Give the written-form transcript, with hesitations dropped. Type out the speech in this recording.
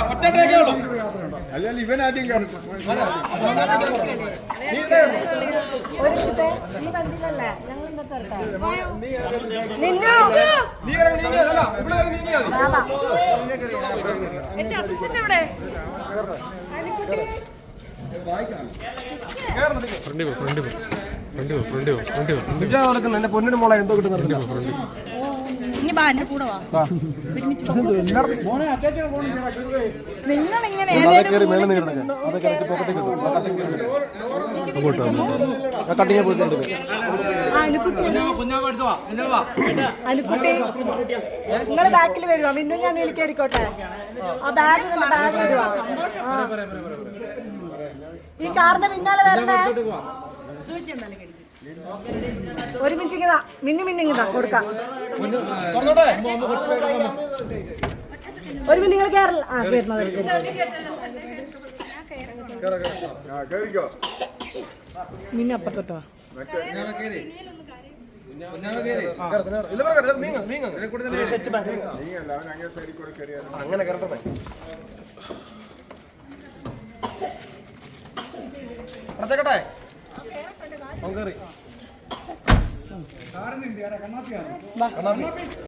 അല്ലെങ്കിൽ ഇവൻ ആദ്യം കയറും. എന്റെ പൊന്നിന് മോളെ എന്തോ കിട്ടുന്നുണ്ട്. നിങ്ങൾ ഇങ്ങനെ അനുക്കുട്ടി നിങ്ങള് ബാക്കിൽ വരുവാ. പിന്നെ ഞാൻ വിളിക്കായിരിക്കോട്ടെ. ആ ബാഗ് വരുവാ. ഈ കാറിന്റെ പിന്നാലെ വരണേ. ഒരു മിനിറ്റ് ഇങ്ങതാ മിന്നിങ്ങിതാ കൊടുക്കാം. ഒരു മിനിറ്റ് നിങ്ങൾ കേരള മിന്നി അപ്പുറത്തോട്ടോ. അങ്ങനെ കയറട്ടെ. അടുത്തേക്കട്ടെ.